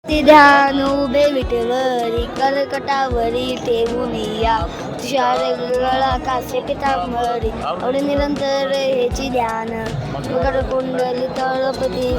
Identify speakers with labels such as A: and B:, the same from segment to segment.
A: ध्यान उभे विटेवरी कर्कटावरी ठेवूनिया तुषार गळा कासे पितांबरी आवडे निरंतर हेची ध्यान मकर कुंडली तळपती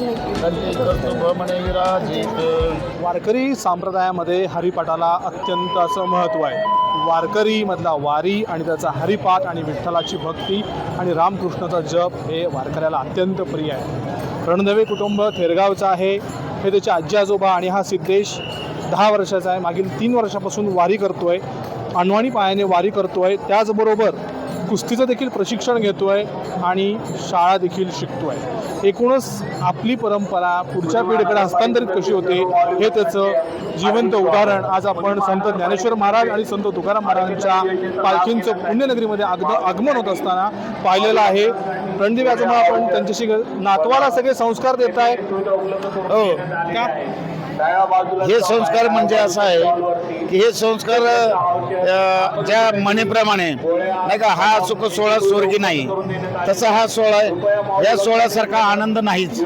B: वारकरी संप्रदायामध्ये हरिपाठाला अत्यंत असं महत्त्व आहे. वारकरी मधला वारी आणि त्याचा हरिपाठ आणि विठ्ठलाची भक्ती आणि रामकृष्णाचा जप हे वारकऱ्याला अत्यंत प्रिय आहे. रणधवे कुटुंब थेरगावचं आहे. हे त्याचे आजी आजोबा आणि हा सिद्धेश 10 वर्षाचा आहे. मागील 3 वर्षापासून वारी करतोय. अनवाणी पायाने वारी करतोय. त्याचबरोबर कुस्तीचं देखील प्रशिक्षण घेतोय आणि शाळा देखील शिकतोय. एकूणच आपली परंपरा पुढच्या पिढीकडे हस्तांतरित कशी होते हे त्याचं जिवंत उदाहरण आज आपण संत ज्ञानेश्वर महाराज आणि संत तुकाराम महाराजांच्या पालखींचं पुण्यनगरीमध्ये आगमन होत असताना पाहिलेलं आहे. रणदेवी आजोबा आपण त्यांच्याशी नातवाला सगळे संस्कार देत आहे. हो का?
C: हे संस्कार म्हणजे असं आहे की हे संस्कार ज्या म्हणेप्रमाणे नाही का, हा सुख सोहळा स्वर्गी नाही, तसा हा सोहळा आहे. या सोहळ्यासारखा आनंद नाहीच.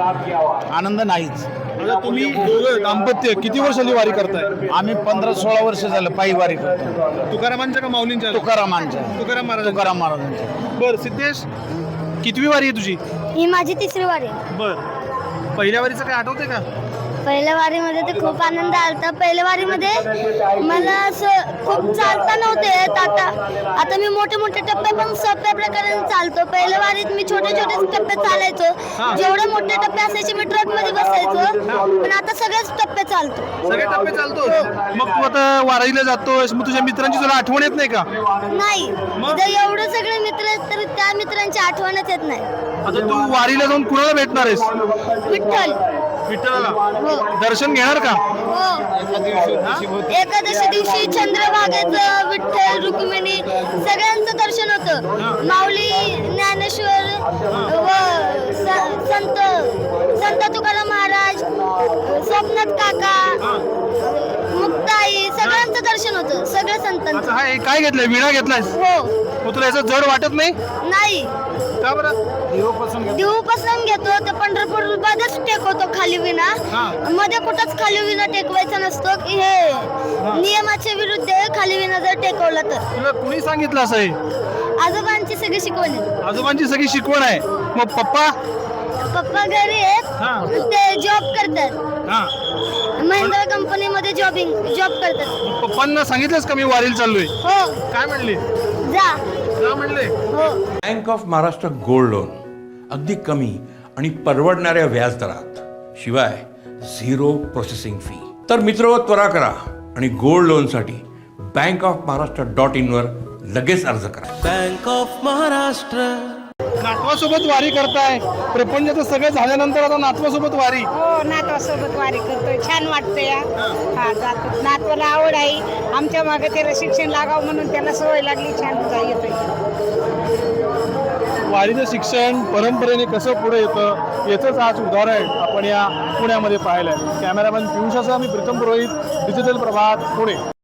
B: आता तुम्ही दोघं दाम्पत्य किती वर्षांनी वारी करताय?
C: आम्ही 15-16 वर्ष झालं पायी वारी करतो.
B: तुकारामांच्या का माऊलींच्या?
C: तुकाराम
B: महाराजांच्या. बरं सिद्धेश, कितवी वारी आहे तुझी?
A: ही माझी 3री वारी.
B: बरं, पहिल्या वारीचं काय आठवते का?
A: पहिल्या वारीमध्ये तर खूप आनंद आलता. पहिल्या वारीमध्ये मला असं खूप चालता नव्हते येत. आता मी मोठे मोठे टप्पे पण सोप्या प्रकारे चालतो. पहिल्या वारीत मी छोटे छोटे टप्पे चालायचो. जेवढे मोठे टप्पे असायचे मी ट्रक मध्ये बसायचो, पण आता सगळेच टप्पे चालतो.
B: सगळे टप्पे चालतो. मग तू आता वारीला जातोस, मग तुझ्या मित्रांची तुला आठवण येत नाही का?
A: नाही, जर एवढे सगळे मित्र आहेत तर त्या मित्रांची आठवणच येत नाही.
B: आता तू वारीला जाऊन कुणाला भेटणार आहेस? विठ्ठलाला दर्शन घेणार का?
A: हो, एकादशी दिवशी चंद्रभागेचं विठ्ठल रुक्मिणी सगळ्यांचं दर्शन होतं. माऊली, ज्ञानेश्वर व संत तुकाराम महाराज, स्वप्नाथ काका, मुक्ताई सगळ्यांचं दर्शन होतं. सगळ्या संतांचं.
B: काय घेतलंय? विणा घेतलायस?
A: हो.
B: मग तुला याचं जड वाटत नाही?
A: नाही.
B: का बरं?
A: देऊपासून घेतो तर पंढरपूर मध्येच टेकवतो खाली विना. मध्ये कुठंच खाली विना टेकवायचा नसतो. की हे नियमाच्या विरुद्ध आहे. खाली विना जर टेकवला तर.
B: तुला कुणी सांगितलं असं आहे?
A: आजोबांची सगळी शिकवण आहे.
B: आजोबांची सगळी शिकवण आहे. मग
A: पप्पा घरी आहेत. ते जॉब करतात. महिंद्रा कंपनीमध्ये जॉब करतात.
B: पप्पांना सांगितलंस का मी वारीला चाललोय?
A: हो.
B: काय म्हणले?
A: जा
B: म्हणले.
A: हो.
D: Bank of Maharashtra gold loan अगदी कमी आणि परवडणाऱ्या व्याजदरात, शिवाय 0 प्रोसेसिंग फी. तर मित्र, त्वरा करा आणि गोल्ड लोनसाठी bankofmaharashtra.in वर लगेच अर्ज करा.
E: Bank of Maharashtra.
B: नातवासोबत वारी करताय. प्रपंचाचं सगळं झाल्यानंतर आता नातवासोबत वारी.
F: हो, नातवासोबत वारी करतोय. छान वाटतं या. हा, जातो. नातवाला आवड आहे. आमच्या मागे त्याला शिक्षण लागावं म्हणून त्याला सवय लागली. छान येतोय.
B: वारीचं शिक्षण परंपरेने कसं पुढे येतं याचंच आज उदाहरण आपण या पुण्यामध्ये पाहिलं आहे. कॅमेरामॅन पियुषासह मी प्रीतम पुरोहित, डिजिटल प्रभात, पुणे.